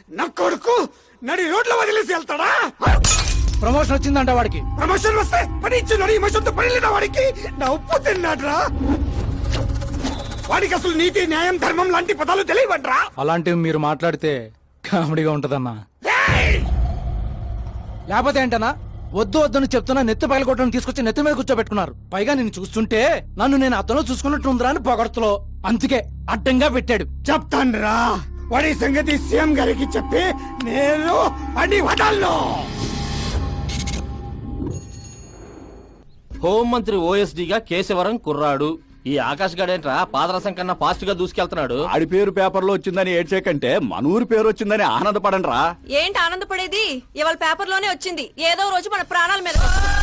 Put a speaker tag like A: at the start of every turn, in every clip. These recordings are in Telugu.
A: నా కొడుకు నడి రోడ్ల వదిలేసి వెళ్తాడా?
B: ప్రమోషన్ వచ్చిందంట వాడికి.
A: ప్రమోషన్ వస్తే పని ఇచ్చిన ఇమోషన్తో పని లేదా వాడికి? నా ఉప్పు తిన్నాడ్రా. వాడికి అసలు నీతి న్యాయం ధర్మం లాంటి పదాలు తెలియవట్రా.
B: అలాంటివి మీరు మాట్లాడితే కామెడీగా ఉంటదన్నా. లేకపోతే ఏంటన్నా, వద్దు వద్దని చెప్తున్నా నెత్తి పగలగొట్టడం తీసుకొచ్చి నెత్తి మీద కూర్చోబెట్టుకున్నారు. పైగా నేను చూస్తుంటే నన్ను నేను అతను చూసుకున్నట్టుందిరా అని పొగడతలో, అందుకే అడ్డంగా పెట్టాడు.
A: చెప్తాన్రా వాడి సంగతి సీఎం గారికి చెప్పి నేను వాడిని వదలను.
C: హోంమంత్రి ఓఎస్డీగా కేశవరం కుర్రాడు. ఈ ఆకాష్ గడేంట్రా పాదరసం కన్నా ఫాస్ట్ గా దూసుకెళ్తున్నాడు.
D: ఆడి పేరు పేపర్ లో వచ్చిందని ఏడ్చేకంటే మన ఊరి పేరు వచ్చిందని ఆనందపడండి రా.
E: ఏంటి ఆనందపడేది? ఇవాళ పేపర్ లోనే వచ్చింది. ఏదో రోజు మన ప్రాణాల మీద.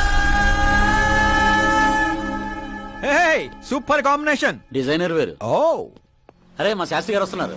F: Super combination.
C: డిజైనర్ వేరు.
F: ఓ
C: అరే మా శాస్త్రి గారు వస్తున్నారు.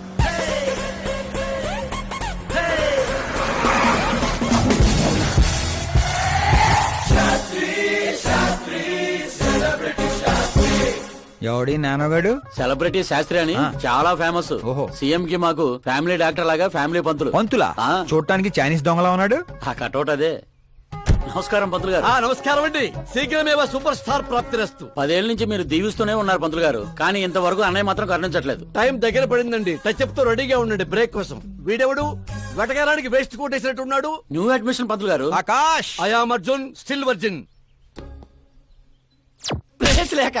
F: ఎవడి నానోగాడు?
C: సెలబ్రిటీ శాస్త్రి అని చాలా ఫేమస్.
F: ఓహో.
C: సీఎం కి మాకు ఫ్యామిలీ డాక్టర్ లాగా ఫ్యామిలీ పంతులు.
F: పంతులా?
C: ఆ.
F: చూడటానికి చైనీస్ దొంగలా ఉన్నాడు.
C: ఆ కటౌట్ అదే. నమస్కారం పంతులు గారు.
G: నమస్కారం అండి. శీఘ్రమేవ సూపర్ స్టార్ ప్రాప్తిరస్తు.
C: 10 ఏళ్ల నుంచి మీరు దీవిస్తూనే ఉన్నారు పంతులు గారు, కానీ ఇంతవరకు అన్నయ్య మాత్రం కరుణించట్లేదు.
G: టైం దగ్గర పడిందండి. టచ్ అప్ తో రెడీగా ఉండండి బ్రేక్ కోసం. వీడెవడు వెటకారానికి వేస్ట్ కోట్ వేసినట్టు ఉన్నాడు.
C: న్యూ అడ్మిషన్ పంతులు గారు.
F: Akash.
G: I am Arjun, still virgin.
C: Place లేక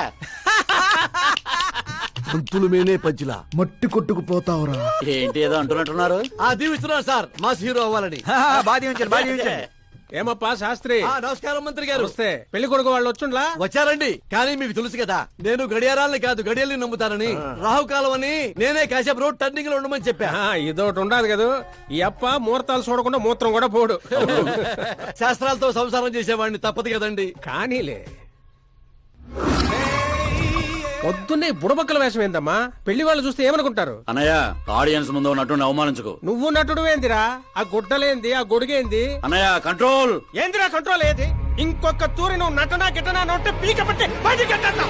G: పంతులు మేనే పంచులా
A: మట్టి కొట్టుకుపోతావురా.
C: ఏంటి ఏదో అంటున్నట్టున్నారు.
G: దీవిస్తున్నారు సార్ మాస్ హీరో అవ్వాలని.
F: బాధి ఉంచారు, బాధి ఉంచారు.
H: ఏమప్పా శాస్త్రి?
G: నమస్కారం మంత్రి గారు.
H: వస్తే పెళ్లి కొడుకు వాళ్ళు వచ్చుండ్లా?
G: వచ్చారండి. కానీ మీకు తెలుసు కదా, నేను గడియారాలని కాదు గడియల్ని నమ్ముతానని. రాహుకాలం అని నేనే కాసేపు రోడ్ టర్నింగ్ లో ఉండమని చెప్పా.
H: ఇదొకటి ఉండదు కదా. ఈ అప్ప ముహూర్తాలు చూడకుండా మూత్రం కూడా పోడు.
G: శాస్త్రాలతో సంసారం చేసేవాడిని, తప్పదు కదండి.
H: కానీలే. పొద్దున్నే బుడబక్కల వేషం ఏందమ్మా? పెళ్లి వాళ్ళు చూస్తే ఏమనుకుంటారు?
C: అన్నయ్య, ఆడియన్స్ ముందు నటుని అవమానించుకో.
H: నువ్వు నటుడు ఏందిరా? ఆ గుడ్డలేంది, ఆ గొడుగేంది?
C: అన్నయ్య కంట్రోల్.
H: ఏందిరా కంట్రోల్ ఏది? ఇంకొక తూరి నువ్వు నటనా గిట్టనా నొట్టే పీక పట్టి బయటికి గెట్టేస్తా.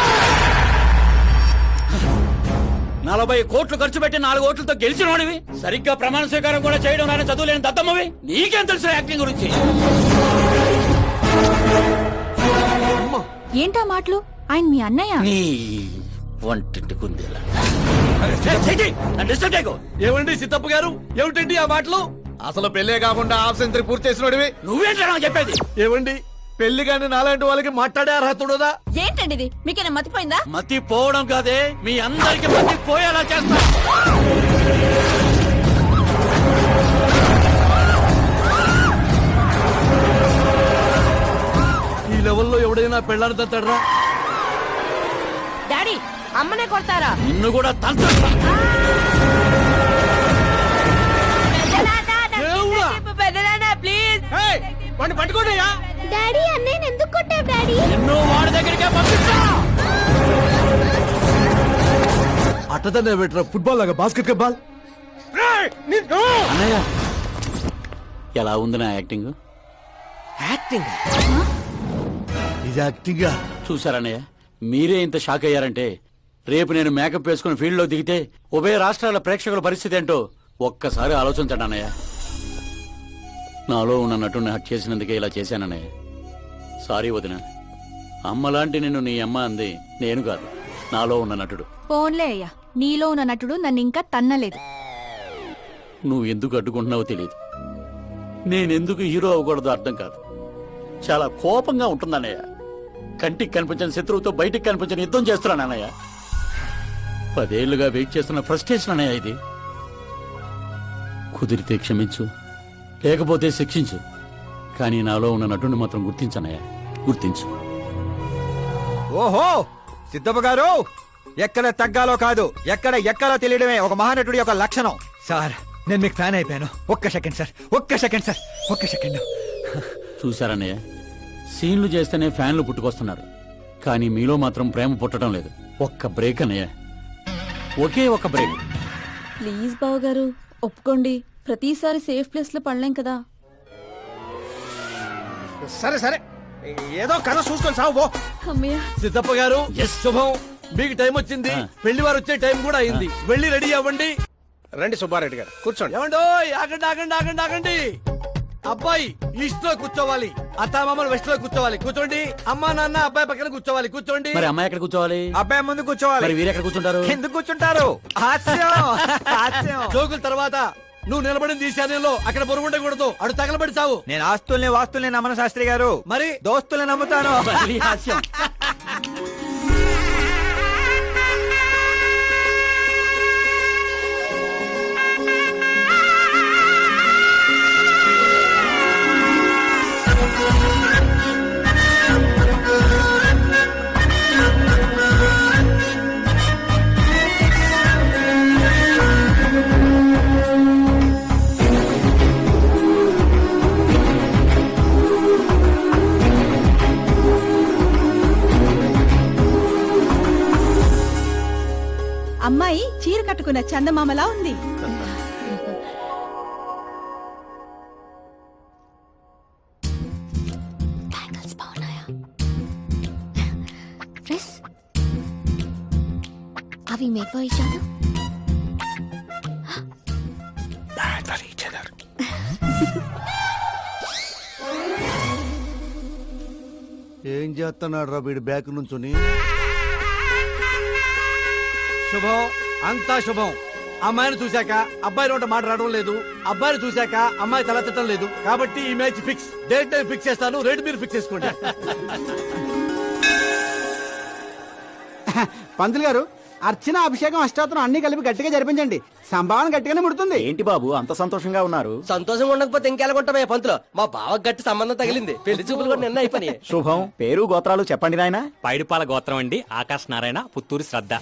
C: 40 కోట్లు ఖర్చు పెట్టి 4 ఓట్లతో గెలిచిన వాడివి, సరిగ్గా ప్రమాణ స్వీకారం కూడా చేయడం రాని చదువు లేని దత్తమ్మవి, నీకేం తెలుసు యాక్టింగ్ గురించి?
E: ఏంటా మాటలు? ఆయన మీ అన్నయ్య.
C: నీ వంటింటి కుందేలా.
G: ఏమండి సిద్ధప్ప గారు, ఏమిటండి ఆ మాటలు?
F: అసలు పెళ్లే కాకుండా హాఫ్ సెంచరీ పూర్తి చేసినోడివి.
C: నువ్వేంటా నాకు చెప్పేది?
G: ఏమండి పెళ్లి కానీ నాలాంటి వాళ్ళకి మాట్లాడే అర్హత ఉండదా?
E: ఏంటండి ఇది? మీకేనా మతిపోయిందా?
C: మతి పోవడం కాదే, మీ అందరికి మతి పోయేలా చేస్తా.
G: ఈ లెవెల్లో ఎవడైనా పెళ్ళాన్ని తట్టడరా?
E: డాడీ, అమ్మనే కొడతారా?
C: నిన్ను కూడా తంత్ర.
E: ప్లీజ్
H: వాడిని పట్టుకోండియా.
E: డాడీ, అన్నయ్య ఎందుకు కొట్టావు డాడీ?
C: నిన్ను వాడి దగ్గరికే పంపిస్తా.
G: అట్టదనే పెట్టరా, ఫుట్బాల్ లాగా బాస్కెట్ బాల్.
C: అన్నయ్య, ఎలా ఉంది నా యాక్టింగ్?
G: ఇది యాక్టింగ్.
C: చూసారన్నయ్య, మీరే ఇంత షాక్ అయ్యారంటే రేపు నేను మేకప్ వేసుకుని ఫీల్డ్ లో దిగితే ఉభయ రాష్ట్రాల ప్రేక్షకుల పరిస్థితి ఏంటో ఒక్కసారి ఆలోచించండి అన్నయ్య. నాలో ఉన్న నటుని హట్ చేసినందుకే ఇలా చేశానన్నయ్య. సారీ వదిన. అమ్మలాంటి నిన్ను నీ అమ్మ అంది నేను కాదు, నాలో ఉన్న నటుడు.
E: పోన్లే అయ్యా, నీలో ఉన్న నటుడు నన్ను ఇంకా తన్నలేదు.
C: నువ్వు ఎందుకు అడ్డుకుంటున్నావో తెలియదు, నేనెందుకు హీరో అవ్వకూడదో అర్థం కాదు. చాలా కోపంగా ఉంటుందన్నయ్య. కంటికి కనిపించిన శత్రువుతో బయటికి కనిపించిన యుద్ధం చేస్తున్నాను అన్నయ్య. 10 ఏళ్లుగా వెయిట్ చేస్తున్న ఫ్రస్ట్రేషన్ అన్నయ్య ఇది. కుదిరితే క్షమించు, లేకపోతే శిక్షించు, కానీ నాలో ఉన్న నటుని మాత్రం గుర్తించనయ్య, గుర్తించు.
F: ఓహో సిద్ధప్ప గారు, ఎక్కడ తగ్గాలో కాదు, ఎక్కడ ఎక్కాలో తెలియడమే ఒక మహానటుడి యొక్క లక్షణం. సార్, నేను మీకు ఫ్యాన్ అయిపోయాను. ఒక్క సెకండ్ సార్, ఒక్క సెకండ్ సార్, ఒక్క సెకండ్.
C: చూశారన్నయ్య, సీన్లు చేస్తేనే ఫ్యాన్లు పుట్టుకొస్తున్నారు, కానీ మీలో మాత్రం ప్రేమ పుట్టడం లేదు. ఒక్క బ్రేక్ అన్నయ్య, ఒకే ఒక బ్రేక్.
E: ప్లీజ్ బావ గారు ఒప్పుకోండి. ప్రతిసారి సేఫ్ ప్లేస్ లో పడలేం కదా.
H: సరే సరే, ఏదో కథ చూసుకొని సాగు పో.
E: అమ్మయ్య.
G: సిద్ధప్ప గారు, శుభం. మీకు టైం వచ్చింది, పెళ్లి వారు వచ్చే టైం కూడా అయింది. వెళ్ళి రెడీ అవ్వండి.
H: రండి సుబ్బారెడ్డి గారు కూర్చోండి.
G: ఏమండో ఆగండి ఆగండి ఆగండి ఆగండి. అబ్బాయి ఈస్ట్ లో కూర్చోవాలి, అత్తామామలు వెస్ట్ లో కూర్చోవాలి. కూర్చోండి. అమ్మా నాన్న అబ్బాయి పక్కన కూర్చోవాలి. కూర్చోండి.
C: మరి అమ్మాయి ఎక్కడ కూర్చోవాలి?
F: అబ్బాయి ముందు కూర్చోవాలి.
C: మరి వీరు ఎక్కడ కూర్చుంటారు?
F: ఎందుకు కూర్చుంటారు? హాస్యం హాస్యం.
G: జోకుల తర్వాత నువ్వు నిలబడింది ఈశాన్యంలో, అక్కడ బరువు ఉండకూడదు. అడు తగలబడి చావు.
F: నేను ఆస్తుల్ని వాస్తుల్ని నమ్మను శాస్త్రి గారు,
G: మరి
F: దోస్తుల్ని నమ్ముతాను.
C: మళ్ళీ హాస్యం.
E: అమ్మాయి చీర కట్టుకున్న చందమామలా ఉంది.
I: అవి మేక్ ఫర్ ఈచ్ అదర్.
A: ఏం చేస్తున్నాడు రా వీడి బ్యాక్ నుంచుని?
G: శుభం, అంతా శుభం. అమ్మాయిని చూశాక అబ్బాయి నోట మాట రావడం లేదు, అబ్బాయిని చూశాక అమ్మాయి తల తిట్టడం లేదు. కాబట్టి ఈ match fix. Date time fix చేస్తాను, రేట్ మీరు ఫిక్స్ చేసుకోండి.
B: పంతులు గారు, అర్చన, అభిషేకం, అష్టాత్రం అన్ని కలిపి గట్టిగా జరిపించండి. సంభావన గట్టిగానే ముడుతుంది.
D: ఏంటి బాబు అంత సంతోషంగా ఉన్నారు?
H: సంతోషంగా ఉండకపోతే ఇంకెలాగుంటామే పంతులు. మా బావ గట్టి సంబంధం తగిలింది, పెళ్లి చూపులు కూడా నిన్న అయిపోయి.
D: శుభం. పేరు గోత్రాలు చెప్పండి నాయనా.
J: పైడిపాల గోత్రం అండి, ఆకాశ్ నారాయణ, పుత్తూరు శ్రద్ధ.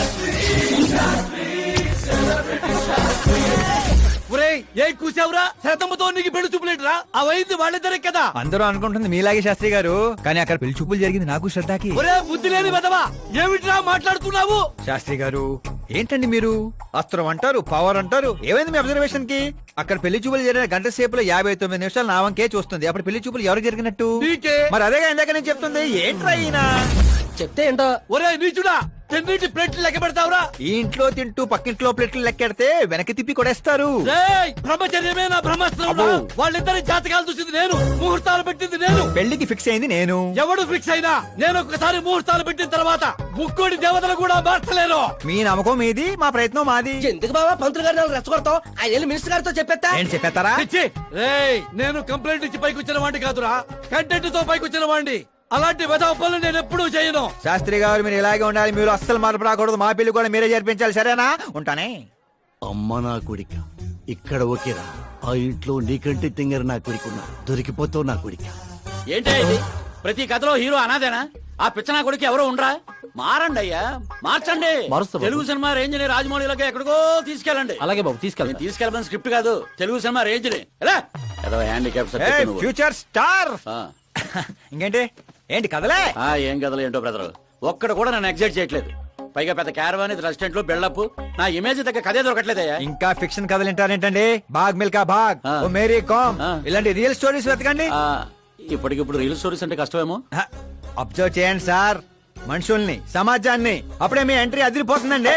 G: ఒరేయ్, ఏం కూసావురా? శతమ్మతో నీకు పెళ్లి చూపులేట్రా? అవైంది వాళ్ళిద్దరే కదా.
F: అందరూ అనుకుంటుంది మీలాగే శాస్త్రి గారు, కానీ అక్కడ పెళ్లి చూపులు జరిగింది నాకు శ్రద్ధకి.
G: ఒరే బుద్ధి లేని వెదవా, ఏమిట్రా మాట్లాడుతున్నావు?
F: శాస్త్రి గారు ఏంటండి మీరు? అస్త్రం అంటారు, పవర్ అంటారు. ఏమైంది మీ అబ్జర్వేషన్ కి? అక్కడ పెళ్లి చూపులు జరిగిన గంట సేపులో 59 నిమిషాలు నా వంకే చూస్తుంది. అప్పుడు పెళ్లి చూపులు ఎవరు జరిగినట్టు?
G: నీకే.
F: మరి అదేగా ఇందాక నేను చెప్తుంది. ఏంట్రా ఈయన?
H: చెప్తే ఏంటో.
G: ఒరే నీచుడా, తెన్నింటి ప్లేట్లు లెక్క పెడతావురా?
F: ఈ ఇంట్లో తింటూ పక్కింట్లో ప్లేట్లు లెక్కెడితే వెనక్కి తిప్పి కొడేస్తారు.
G: రేయ్, బ్రహ్మచర్యమే నా బ్రహ్మాస్త్రం. వాళ్ళిద్దరి జాతకాలు చూసింది నేను, ముహూర్తాలు పెట్టింది నేను.
F: పెళ్లికి ఫిక్స్ అయింది నేను.
G: ఎవడు ఫిక్స్ అయినా నేను ఒక్కసారి ముహూర్తాలు పెట్టిన తర్వాత ముక్కోడి దేవతలు కూడా మార్చలేరు.
F: మీ నమ్మకం మీది, మా ప్రయత్నం మాది.
H: ఎందుకు బాబా పంతులు గారిని రెచ్చగొడతావు? ఆయన మినిస్టర్ గారితో చెప్పేస్తా.
F: ఏంటి చెప్పేస్తారా?
G: పిచ్చి. రేయ్, నేను కంప్లైంట్ ఇచ్చి పైకి వచ్చిన వాడిని కాదురా, కంటెంట్ తో పైకి వచ్చిన వాడిని. అలాంటి వెధవ పనులు నేను ఎప్పుడూ చేయను.
F: శాస్త్రి గారు మీరు ఇలాగే ఉండాలి. మీరు అస్సలు మార్పు రాకూడదు. మా పెళ్లి కూడా మీరే జరిపించాలి. సరేనా? ఉంటానే.
A: అమ్మ నా కొడిక, ఇక్కడ ఓకేరా. ఆ ఇంట్లో నీకంటే తింగర నా కొడుకున్నా, దొరికిపోతావు నా కొడిక.
C: ఏంటి ఇది? ప్రతి కథలో హీరో అనాదేనా? ఆ పిచ్చనా కొడుకు ఎవరో ఉండరా? మారండి అయ్యా, మార్చండి. తెలుగు సినిమా రేంజ్ ని రాజమౌళిలోకి ఎక్కడికో తీసుకెళ్ళండి.
B: అలాగే బాబు, తీసుకెళ్తాను.
C: తీసుకెళ్ళమని స్క్రిప్ట్ కాదు, తెలుగు సినిమా రేంజ్ ని. Handicap
F: future star. ఇంకేంటి? ఏంటి కదలే?
C: ఏం కథలు ఏంటో బ్రదర్, ఒక్కడ కూడా నన్ను ఎగ్జైట్ చేయట్లేదు. పైగా పెద్ద క్యారవాన్, రెస్టారెంట్ లో బిల్డప్, నా ఇమేజ్ దగ్గర కథే దొరకట్లేదయ్యా.
F: ఇంకా ఫిక్షన్ కథలు వింటారేంటండి? బాగ్ మిల్కా బాగ్,
C: ఆ.
F: ఓ మేరీ కామ్,
C: ఆ.
F: ఇలాంటి రియల్ స్టోరీస్ వెతకండి.
C: ఇప్పటికిప్పుడు రీల్ స్టోరీస్ అంటే కష్టమేమో.
F: అబ్జర్వ్ చేయండి సార్ మనుషుల్ని, సమాజాన్ని. అప్పుడే మీ ఎంట్రీ అదిరిపోతుందండి.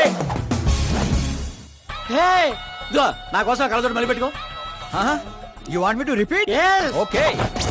C: ఇదిగో, నా కోసం కళ్ళజోడు మళ్ళీ పెట్టుకో.
F: You want me to repeat?
C: Yes.
F: Okay.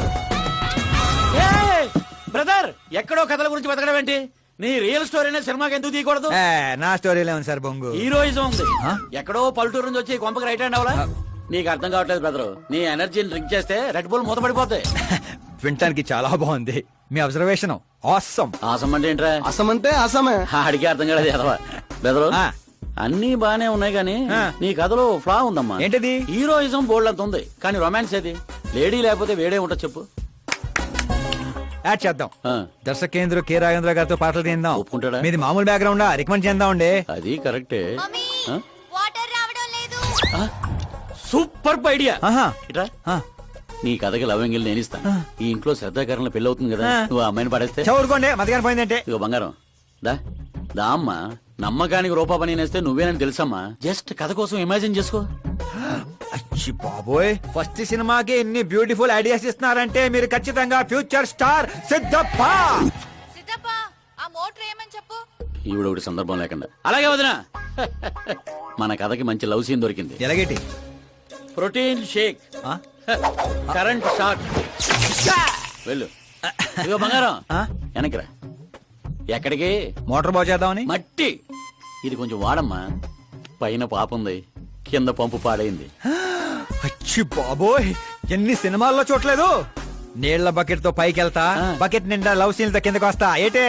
C: Brother, ఎక్కడో కథల గురించి బతకడం ఏంటి? నీ రియల్ స్టోరీనే సినిమాకి ఎందుకు తీయకూడదు?
F: నా స్టోరీలో ఉంది సార్ బొంగు.
C: హీరోయిజం ఉంది.
F: ఆ?
C: ఎక్కడో పల్లెటూరు నుంచి వచ్చి కొంపకి రైట్ హ్యాండ్ అవలా? నీకు అర్థం కావట్లేదు బ్రదర్. నీ ఎనర్జీని డ్రింక్ చేస్తే రెడ్ బుల్ మూతపడిపోతాయి.
F: వినటానికి చాలా బాగుంది మీ అబ్జర్వేషన్. ఆసమ్.
C: ఆసం అంటే ఏంట్రా?
H: అసమంటే అసమే.
C: అడిగే అర్థం కాలేదు ఎదవా. బ్రదర్,
F: ఆ.
C: అన్ని బానే ఉన్నాయి కానీ
F: ఆ.
C: నీ కథలో ఫ్లా ఉందమ్మా.
F: ఏంటది?
C: హీరోయిజం బోల్డ్ అంత ఉంది, కానీ రొమాన్స్ ఏది? లేడీ లేకపోతే వేడే ఉంటది చెప్పు.
F: యాడ్ చేద్దాం.
C: ఆ.
F: దర్శకేంద్ర కె రాజేంద్ర గారితో పాటలు తీద్దాం.
C: ఒప్పుకుంటాడా?
F: మీది మామూలు బ్యాక్గ్రౌండ్ రికమెండ్ చేద్దాం అండి.
C: అది కరెక్టే. ఆ?
I: వాటర్ రావడం లేదు.
C: ఆ? Super idea.
F: ఆహా.
C: ఇట్రా,
F: ఆ.
C: నీ కథకి లవ్ ఎంగిల్ నేను ఇస్తా. ఈ ఇంట్లో శ్రద్ధాకరణ పెళ్లి అవుతుంది కదా,
F: ఆ.
C: నువ్వు ఆ అమ్మాయిని పడేస్తే.
F: చదువుకోండి మధ్యాహ్నం పోయిందంటే.
C: ఇగో బంగారం, దా దా అమ్మా. నమ్మకానికి రూపా పని నేస్తే నువ్వేనని తెలుసమ్మా. జస్ట్ కథ కోసం ఇమాజిన్ చేసుకో.
F: అచ్చి బాబోయ్, ఫస్ట్ సినిమాకి ఎన్ని బ్యూటిఫుల్ ఐడియాస్ ఇస్తున్నారంటే మీరు ఖచ్చితంగా ఫ్యూచర్ స్టార్ సిద్ధప్ప.
I: సిద్ధప్ప, ఆ మోటర్ ఏమని చెప్పు.
C: ఈవిడ ఒకటి సందర్భం లేకుండా. అలాగే వదినా. మన కథకి మంచి లవ్ సీన్ దొరికింది.
F: ఎలాగేటి
C: ప్రోటీన్ షేక్,
F: ఆ?
C: Current shock. వెళ్ళు. ఇదిగో బంగారం,
F: ఆ?
C: వెనక్కిరా. ఎక్కడికి?
F: మోటార్ బాగు చేద్దామని.
C: మట్టి. ఇది కొంచెం వాడమ్మా. పైన పాపుంది, కింద పంపు పాడైంది.
F: అచ్చి బాబోయ్, ఎన్ని సినిమాల్లో చూడలేదు. నీళ్ల బకెట్ తో పైకి వెళ్తా, బకెట్ నిండా లవ్ సీన్ తో కిందకి వస్తా. ఏటే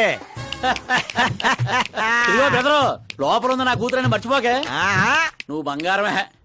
C: ఇదిగో బెదరు, లోపల ఉంది నా కూతురని మర్చిపోకే.
F: ఆహా.
C: నువ్వు బంగారమే.